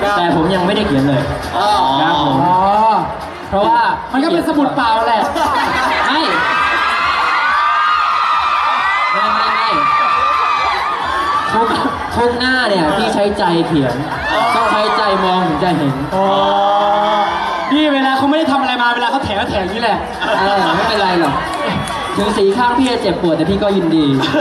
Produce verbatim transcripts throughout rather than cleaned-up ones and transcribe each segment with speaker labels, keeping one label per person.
Speaker 1: แต่ผมยังไม่ได้เขียนเลยครับผมเพราะว่ามันก็เป็นสมุดเปล่าแหละไม่ไม่ไม่ไม่ทุกทุกหน้าเนี่ยที่ใช้ใจเขียนต้องใช้ใจมองถึงจะเห็นพี่เวลาเขาไม่ได้ทำอะไรมาเวลาเขาแถวแถวนี่แหละเออไม่เป็นไรหรอกถึงสีข้างพี่จะเจ็บปวดแต่พี่ก็ยินดี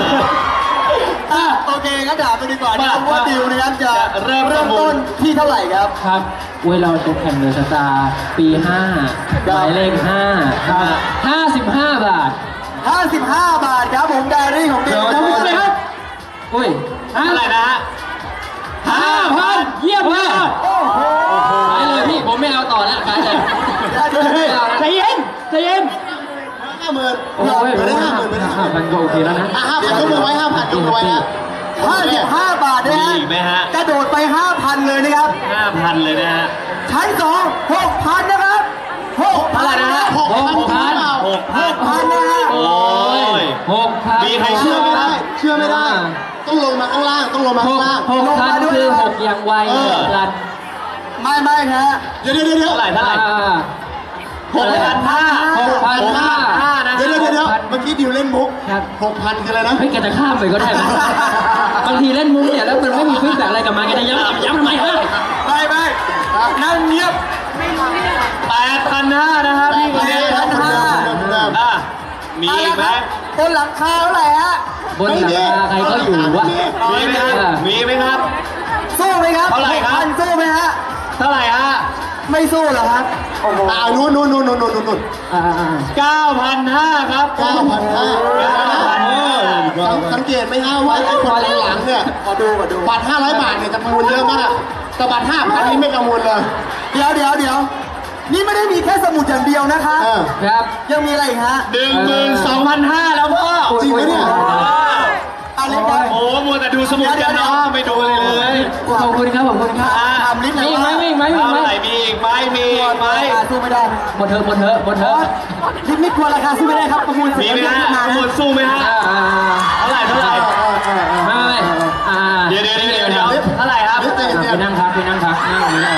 Speaker 2: โอเคงั้นถามไปดีกว่านะครับว่าดิวนะครับจะเริ่มเริ่มต้นที่เท่าไหร่ครับ
Speaker 1: ครับเวลาตกแข่งเดอะสตาร์ปีห้าหมายเลขห้าห้าสิบห้าบาท
Speaker 2: ห้าสิบห้าบาทครับผมไดอารี่ของดิว
Speaker 1: ครับอุ้ยเท่าไหร่นะฮะห้าพันเยี่ยมมากไปเลยพี่ผมไม่เอาต่อแล้วไปเลยใจเย็นใจเย็น
Speaker 2: ห้าหมื่น
Speaker 1: โอ้ยไม่ได้ห้าหมื่นไม่ได้ห้าพันก็โอเคแล้วนะ
Speaker 2: ห้าพันยกมือไว้ห้าพันยกมือไว้นะห้าสิบห้าบาทนะฮะกระโดดไปห้าพันเลยนะครับ
Speaker 3: ห้าพันเลยนะฮะ
Speaker 2: ชั้นสองหกพันนะครับหกพันนะ
Speaker 1: หกพันหกพัน
Speaker 2: หกพันนะฮะ
Speaker 3: โอ้ย
Speaker 1: หกพัน
Speaker 3: มีใครเชื่อไม่ได้
Speaker 2: เชื่อไม่ได้ต้องลงมาข้างล่างต้องลงมาข้างล่าง
Speaker 1: หกพันคือหกอย่างไวลัน
Speaker 2: ไม่ไม่ฮะ
Speaker 3: เดี๋ยวเดี๋ยวเดี๋ยวเท่าไหร่เท่าไหร่หกพันห้า
Speaker 1: หกพันห้า
Speaker 2: เดี๋ยวเดี๋ยวเดี๋ยวเมื่อกี้ดิวเล่นมุกหกพันคืออะไรนะ
Speaker 1: เฮ้ยแกจะข้ามไปก็ได้ไหมบางทีเล่นมุกเนี่ยแล้วมันไม่มีฟีดแบ็กอะไรกลับมาแกจะย้ำย้ำทำไมฮะ
Speaker 2: ไม่ไม่นั่งเงียบ
Speaker 3: แปดพันห้านะครับพี่คนนี้
Speaker 2: แปดพันห้า
Speaker 3: อ่ะมีไหม
Speaker 2: บนหลังคาเท่าไหร่ฮะ
Speaker 1: บนหลังคาใครก็อยู่วะ
Speaker 3: มีไหมครับมีไหมครับ
Speaker 2: สู้ไหมครับ
Speaker 3: เท่าไหร่ครับ
Speaker 2: สู้ไหมฮะ
Speaker 3: เท่าไหร่ฮะ
Speaker 2: ไม่สู้เหรอครับอ่านู่นนู่นนู่นนู่นนู่นนู่น
Speaker 3: เก้าพันห้าครับ
Speaker 2: เก้าพันห้าสังเกตไหมฮะว่าไอ้คนหลังเนี่ยขอดูขอดูบัตรห้าร้อยบาทเนี่ยจำนวนเยอะมากแต่บัตรห้าพันนี่ไม่กังวลเลยเดี๋ยวเดี๋ยวเดี๋ยวนี่ไม่ได้มีแค่สมุดอย่างเดียวนะคะ
Speaker 1: ครับ
Speaker 2: ยังมีอะไรอีกฮะ
Speaker 3: หนึ่งหมื่นสองพันห้าแล้วพ่อ
Speaker 2: จริงไหมเนี่ยอะไรกัน
Speaker 3: โอ้มัวแต่ดูสมุดกันเนาะไม่ดูเลยเลย
Speaker 1: ขอบคุณครับขอบคุณครับ
Speaker 2: ทำลิสต์มี
Speaker 1: ไหมมีไหมมีไหม
Speaker 3: มีอีกไหมมีอีกไหม
Speaker 2: สู้ไม่ได้
Speaker 1: หมดเถอะหมดเถอะหมดเถอะ
Speaker 2: ลิสต์ไม่กลัวราคาสู้ไม่ได้ครับประมูล
Speaker 3: มีไหมฮะประมูลสู้ไหมฮะเท่าไหร่เท่าไหร่
Speaker 1: ไม่ไม่
Speaker 3: เดี๋ยวเดี๋ยวเดี๋ยวเดี๋ยวเท่าไหร่ครับ
Speaker 1: ไปนั่งพักไปนั่งพักนั่งไม่ได้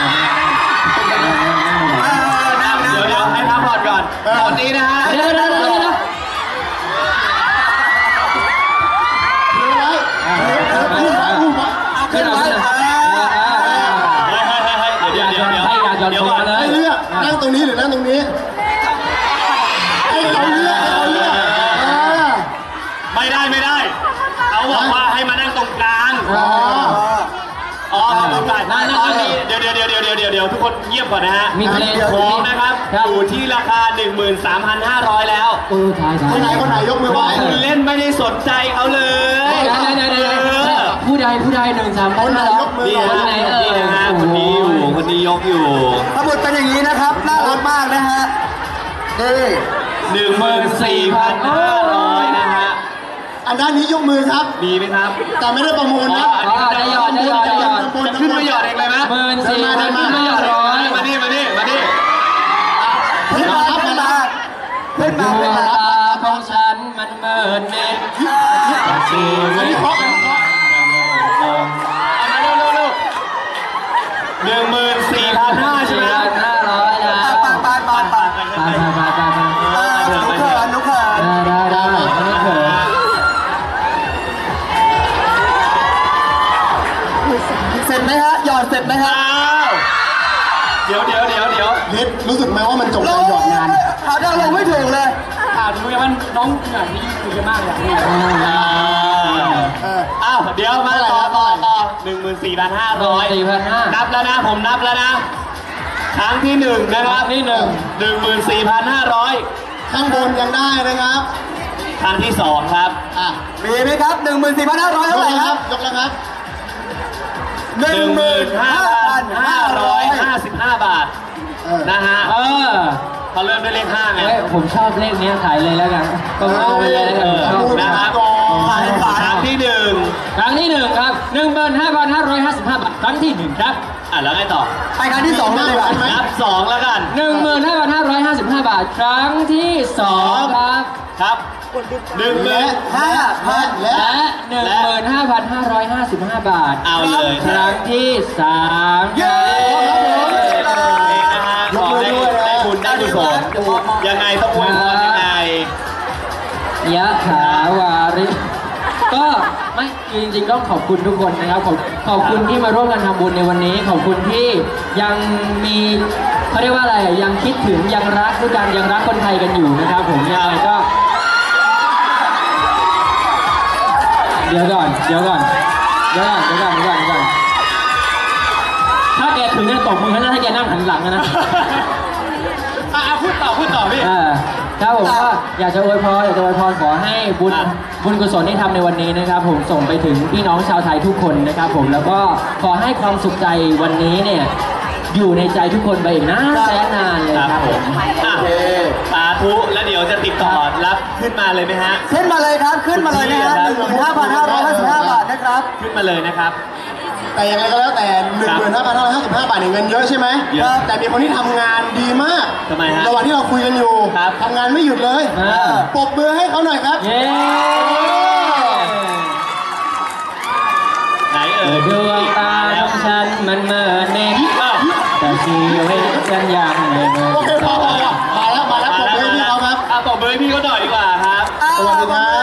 Speaker 3: เดี๋ยวเดี๋ยวให้พักผ่อนก่อนตอนนี้นะฮะ
Speaker 1: เดี๋ยวเดี๋ยวเดี๋ยวเดี๋ยว
Speaker 2: ขึ้นไป
Speaker 3: เดี๋ยวเดี๋ยวเดี๋ยว
Speaker 1: เดี๋ยวก่อน
Speaker 2: ให้เลือกนั่งตรงนี้หรือนั่งตรงนี้ให้เขาเลือกให้เขาเลือก
Speaker 3: ไม่ได้ไม่ได้เขาบอกว่าให้มานั่งตรงกลาง
Speaker 2: อ๋อ
Speaker 3: อ๋อตรงกลางนั่งตอนนี้เดี๋ยวเดี๋ยวเดี๋ยวเดี๋ยวเดี๋ยวเดี๋ยวทุกคนเงียบก่อนนะฮะ
Speaker 1: มีเพลง
Speaker 3: ของนะครับอยู่ที่ราคา หนึ่งหมื่นสามพันห้าร้อย แล้ว
Speaker 1: เออถ่ายถ่าย
Speaker 2: คนไหนคนไหนยกมือไหว้
Speaker 3: คุณเล่นไม่ได้สนใจเขาเลย
Speaker 1: ผู้ใดผู้ใดหนึ่งสาม
Speaker 2: คนไหนยกมือ
Speaker 3: คนไหนเออนะคนนี้อยู่คนนี้ยกอยู่
Speaker 2: สมุดเป็นอย่างนี้นะครับน่ารักมากนะฮะนี่
Speaker 3: หนึ่งหมื่นสี่พันห้าร้อยนะฮะ
Speaker 2: อันด้านนี้ยกมือครับ
Speaker 3: มีไหมครับ
Speaker 2: แต่ไม่ได้ประมูลนะ
Speaker 1: ได้ยอดได้ยอดได้ยอด
Speaker 3: ขึ้นมาหยอดเองเลยไหม
Speaker 1: หมื่นสี่พันห้าร้อย
Speaker 3: มาดิมาดิมาดิ
Speaker 2: ขึ้นมาครับขึ้นมาขึ้นมาขึ้นมา
Speaker 1: ของฉันมันเมินเน็ตชีวิต
Speaker 3: หนึ่งหมื่นสี่พันห้าใช่ไหม
Speaker 1: ห้าร้อยนะ
Speaker 2: ปาปาปาปาปาปาปาปาปานุกเขินนุกเขิน
Speaker 1: ได้ได้ได้นุกเขิน
Speaker 2: เสร็จไหมฮะหยอดเสร็จไหมฮะ
Speaker 3: เดี๋ยวเดี๋ยวเดี๋ยวเดี๋ยว
Speaker 2: เฮ็ดรู้สึกไหมว่ามันจบการหยอดงานหาดาวลงไม่ถูกเลย
Speaker 1: อ่าดูยังมันน้องอย่างนี้คุยกันมากอย่างนี้
Speaker 3: อ้าวเดี๋ยวมาต่อต่อต่อหนึ่งหมื่นสี่พันห้าร้อยนับแล้วนะผมนับแล้วนะครั้งที่หนึ่งนะครับที่หนึ่งหนึ่งหมื่นสี่พันห้าร้อย
Speaker 2: ข้างบนยังได้นะครับ
Speaker 3: ครั้งที่สองครับ
Speaker 2: อ่ะมีไหมครับหนึ่งหมื่นสี่พันห้าร้อยเท่าไหร่ครับยกแล้วครับ
Speaker 3: หนึ่งหมื่นห้าพันห้าร้อยห้าสิบห้าบาทนะฮะเออเขาเริ่มด้วยเลขห้าไง
Speaker 1: ผมชอบเลขนี้ขายเลยแล้วกันก็เอาไปเลย
Speaker 3: นะครับครั้งที่หนึ่ง
Speaker 1: ครั้งที่หนึ่งครับหนึ่งหมื่นห้าพันห้าร้อยห้าสิบห้าบาทครั้งที่หนึ่งครับ
Speaker 3: อ่ะแล้วไงต่อ
Speaker 2: ไปครั้งที่สองเลยครับ
Speaker 3: นับสองแล้วกัน
Speaker 1: หนึ่งหมื่นห้าพันห้าร้อยห้าสิบห้าบาทครั้งที่สองครับ
Speaker 3: ครับหนึ่งหมื่น
Speaker 2: ห้าพัน
Speaker 1: และหนึ่งหมื่นห้าพันห้าร้อยห้าสิบห้าบาท
Speaker 3: เอาเลย
Speaker 1: ครั้งที่สาม
Speaker 2: เย้
Speaker 1: ไม่ก็ไม่คือจริงๆก็ขอบคุณทุกคนนะครับขอบขอบคุณที่มาร่วมกันทำบุญในวันนี้ ขอบคุณที่ยังมีเขาเรียกว่าอะไรยังคิดถึงยังรักด้วยกันยังรักคนไทยกันอยู่นะครับผมยังไงก็ เดี๋ยวก่อนเดี๋ยวก่อนเดี๋ยวก่อนเดี๋ยวก่อนเดี๋ยวก่อนเดี๋ยวก่อนถ้าแกถึงจะตบมือถ้าแกนั่งหันหลังนะ
Speaker 3: อ่ะพูดต่อพูดต่อพี่
Speaker 1: อ่าครับผมก็อยากจะอวยพรอยากจะอวยพรขอให้บุญ
Speaker 3: ครับ
Speaker 1: บุญกุศลที่ทำในวันนี้นะครับผมส่งไปถึงพี่น้องชาวไทยทุกคนนะครับผมแล้วก็ขอให้ความสุขใจวันนี้เนี่ยอยู่ในใจทุกคนไปอีกนานแสนนานเลย
Speaker 3: ครับ
Speaker 1: ครับ
Speaker 3: ผ
Speaker 1: ผม ม
Speaker 3: อ่ะสาธุแล้วเดี๋ยวจะติดต่อรับขึ้นมาเลยไหมฮะ
Speaker 2: ขึ้นมาเลยครับขึ้นมาเลยนะฮะหนึ่งหมื่นห้าพันห้าร้อยห้าสิบห้าบาทนะครับ
Speaker 3: ขึ้นมาเลยนะครับ
Speaker 2: แต่ยังไงก็แล้วแต่ หนึ่งหมื่นห้าพันห้าร้อยห้าสิบห้า บาทเนี่ยเงินเยอะใช่ไหม
Speaker 3: เยอะ
Speaker 2: แต่มีคนที่ทำงานดีมาก
Speaker 3: ทำไมฮะ
Speaker 2: ระหว่างที่เราคุยกันอยู่
Speaker 3: ครับ
Speaker 2: ทำงานไม่หยุดเลย
Speaker 1: อ่า
Speaker 2: ปรบมือให้เขาหน่อยครับ
Speaker 1: เย้
Speaker 3: ไหนเอ่ย
Speaker 1: ดวงตาของฉันมันเมื่อเน็ต
Speaker 3: อ้าว
Speaker 1: แต่ชีวิตฉันยังไม่เมื่อ
Speaker 2: โอเคพอพอมาแล้วมาแล้วปรบมือให้พี่เขาครับ
Speaker 3: อ่ะปรบมือให้พี่เขาหน่อยดีกว่าครับ
Speaker 2: สวัสดีครับ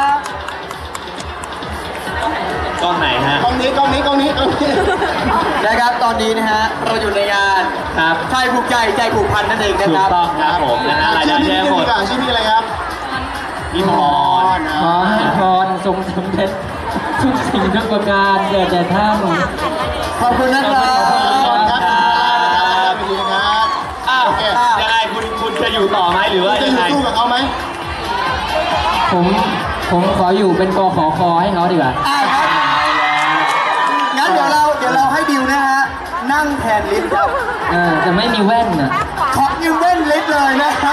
Speaker 3: กล้องไหนฮะ
Speaker 2: กล้องนี้กล้องนี้กล้องนี้กล้องนี้
Speaker 4: นะครับตอนนี้นะฮะเราอยู่ในงาน
Speaker 3: ครับ
Speaker 4: ไทยผูกใจใจผูกพันนั่นเองนะ
Speaker 3: ถู
Speaker 4: ค
Speaker 3: ก
Speaker 4: รับ
Speaker 3: ต้องครับผมนะฮะราย
Speaker 2: ชื่
Speaker 3: ได้
Speaker 2: อพี่
Speaker 3: แย่
Speaker 2: นี่
Speaker 3: หม
Speaker 2: ดี
Speaker 3: ด
Speaker 2: กว่าชื่อพี่อะไรครับ
Speaker 3: พี่พร
Speaker 1: ขอให้พรทรงสำเร็จทุกสิ่งทุกประการแก่แต่ท่าน
Speaker 4: ขอบคุณนะครับ
Speaker 2: ขอบคุณครับขอบคุณครับ
Speaker 3: อ้าว
Speaker 2: โอเค
Speaker 3: ยังไงคุณคุณจะอยู่ต่อไหมหรือว่า
Speaker 2: จะ
Speaker 3: ยั
Speaker 2: อง ยู่
Speaker 3: ไง
Speaker 2: สู้กับเขาไหม
Speaker 1: ผมผมขออยู่เป็นกขอคอให้เขาดีกว่า
Speaker 4: อ่าครับงั้นเดี๋ยวเราเดี๋ยวเราให้ดิวนะฮะนั่งแทนลิฟต์ครับ
Speaker 1: เออจะไม่มีแว่นอ่ะ
Speaker 4: ขอยืมเว้นลิฟต์เลยนะครับ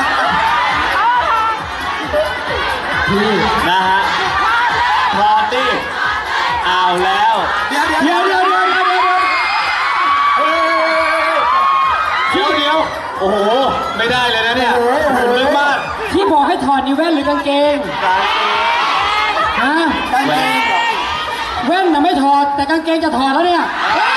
Speaker 1: พี่
Speaker 3: นะฮะพร้อมดิเอาแล้ว
Speaker 4: เดี๋ยวเดี๋ยว
Speaker 3: เดี๋ยวเดี๋ยวเดี๋ยวเดี๋ยวเดี๋ยวเดี๋ยวเดี๋ยวโอ้โห ไม่ได้เลยนะเนี่ยผมลึกมาก
Speaker 1: ที่บอกให้ถอดนี่แว่นหรือกางเกงฮะ
Speaker 4: กางเกงเหรอ
Speaker 1: แว่นน่ะไม่ถอดแต่กางเกงจะถอดแล้วเนี่ย
Speaker 4: เฮ้ย